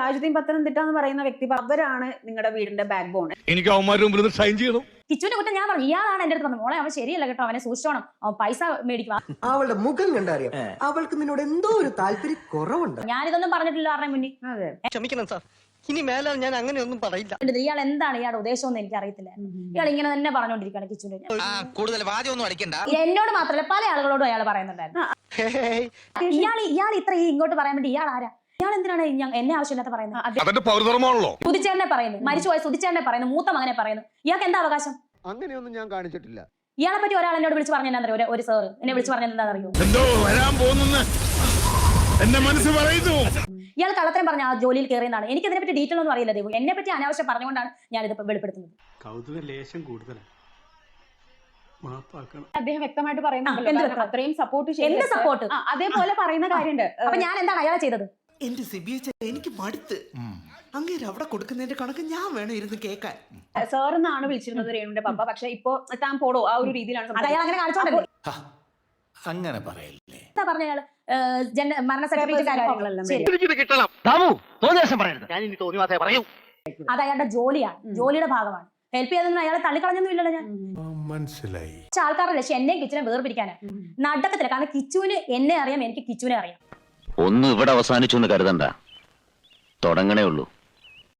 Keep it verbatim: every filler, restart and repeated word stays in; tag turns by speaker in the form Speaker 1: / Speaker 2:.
Speaker 1: താജുദ്ദീൻ പത്തനംതിട്ട എന്ന് പറയുന്ന വ്യക്തി അവരാണ് നിങ്ങളുടെ വീടിന്റെ ബാക്ക് ബോൺ.
Speaker 2: എനിക്ക് അവന്മാരുടെ മുമ്പിൽ ഷൈൻ ചെയ്യണം.
Speaker 3: കിച്ചുവിന്റെ കുറ്റം ഞാൻ പറഞ്ഞു. ഇയാളാണ് എന്റെ അടുത്ത് പറഞ്ഞു, മോളെ അവൻ ശരിയല്ല കേട്ടോ, അവനെ സൂക്ഷിച്ചോണം, അവൻ പൈസ മേടിക്കുക.
Speaker 4: അവളുടെ മുഖം കണ്ടറിയാം അവൾക്ക് നിന്നോട് എന്തോ ഒരു താല്പര്യം കുറവുണ്ട്.
Speaker 3: ഞാനിതൊന്നും പറഞ്ഞിട്ടില്ല ആരുടെ മുന്നിൽ.
Speaker 1: അതെ,
Speaker 5: ക്ഷമിക്കണം സാർ, ഇനി മേലാൽ ഞാൻ അങ്ങനെയൊന്നും പറയില്ല.
Speaker 3: ഇയാൾ എന്താണ് ഇയാളുടെ ഉദ്ദേശം എന്ന് എനിക്ക് അറിയത്തില്ല. ഇയാൾ ഇങ്ങനെ തന്നെ പറഞ്ഞുകൊണ്ടിരിക്കുകയാണ് കിച്ചുവിന്റെ.
Speaker 6: കൂടുതൽ വാചകമൊന്നും അടിക്കണ്ട.
Speaker 3: എന്നോട് മാത്രമല്ല പല ആളുകളോടും അയാൾ പറയുന്നുണ്ടായിരുന്നു. ഇയാൾ ഇയാൾ ഇത്ര ഈ ഇങ്ങോട്ട് പറയാൻ വേണ്ടി ഇയാൾ ആരാ? ഇയാൾ എന്തിനാണ് എന്നെ ആവശ്യമില്ലാത്ത പറയുന്നത്? സുധിച്ചേട്ടനെ പറയുന്നു, മരിച്ചുപോയ സുധിച്ചേട്ടനെ പറയുന്നു, മൂത്ത മകനെ പറയുന്നു. ഇയാൾക്ക് എന്താ അവകാശം?
Speaker 4: അങ്ങനെയൊന്നും ഞാൻ കാണിച്ചിട്ടില്ല.
Speaker 3: ഇയാളെ പറ്റി ഒരാൾ എന്നോട് വിളിച്ച് പറഞ്ഞ എന്താ അറിയോ? ഒരു സാറ് എന്നെ വിളിച്ച് പറഞ്ഞത് എന്താ അറിയോ?
Speaker 2: എന്തോ വരാൻ പോകുന്നു എന്റെ മനസ്സ് പറയുന്നു.
Speaker 3: ഇയാൾ കള്ളത്തരം പറഞ്ഞ ആ ജോലിയിൽ കയറിയെന്നാണ്. എനിക്ക് ഇതിനെ പറ്റി ഡീറ്റെയിൽ ഒന്നും അറിയില്ല. ദൈവം എന്നെ പറ്റി അനാവശ്യം പറഞ്ഞുകൊണ്ടാണ് ഞാൻ ഇത് വെളിപ്പെടുത്തുന്നത്.
Speaker 7: കൗതുക ലേശം കൂടുതലാണ്.
Speaker 1: അദ്ദേഹം വ്യക്തമായിട്ട് പറയുന്നുണ്ട് അത്രയും സപ്പോർട്ട്
Speaker 3: എന്ത് സപ്പോർട്ട്?
Speaker 1: അതേപോലെ പറയുന്ന കാര്യമുണ്ട്.
Speaker 3: അപ്പൊ ഞാൻ എന്താണ് അയാളെ ചെയ്തത്?
Speaker 4: എന്റെ സിബിഎച്ച് എനിക്ക് മടുത്ത് അങ്ങേര് അവിടെ കൊടുക്കുന്നതിന്റെ കണക്ക് ഞാൻ വേണം ഇരുന്ന് കേൾക്കാൻ.
Speaker 1: സാറെന്നാണ് വിളിച്ചിരുന്നത് രേണുവിന്റെ പപ്പ. പക്ഷെ ഇപ്പൊ താൻ പോടോ ആ ഒരു രീതിയിലാണ്
Speaker 3: അയാൾ അങ്ങനെ കാണിച്ചോണ്ടല്ലേ.
Speaker 6: അങ്ങനെ പറയല്ലേ.
Speaker 3: എന്താ പറഞ്ഞ അയാള് മരണ സർട്ടിഫിക്കറ്റ് അത് അയാളുടെ ജോലിയാണ്, ജോലിയുടെ ഭാഗമാണ്. ഹെൽപ്പ് ചെയ്തൊന്നും അയാളെ തള്ളിക്കളഞ്ഞൊന്നും ഇല്ലല്ലോ ഞാൻ.
Speaker 2: മനസ്സിലായി.
Speaker 3: ആൾക്കാരുടെ ലക്ഷ്യം എന്നെയും കിച്ചുനെ വേർപിരിക്കാനാണ്. നടക്കത്തില്ല. കാരണം കിച്ചുവിന് എന്നെ അറിയാം, എനിക്ക് കിച്ചുവിനെ അറിയാം.
Speaker 8: ഒന്നും ഇവിടെ അവസാനിച്ചു എന്ന് കരുതണ്ട, തുടങ്ങണേ ഉള്ളൂ.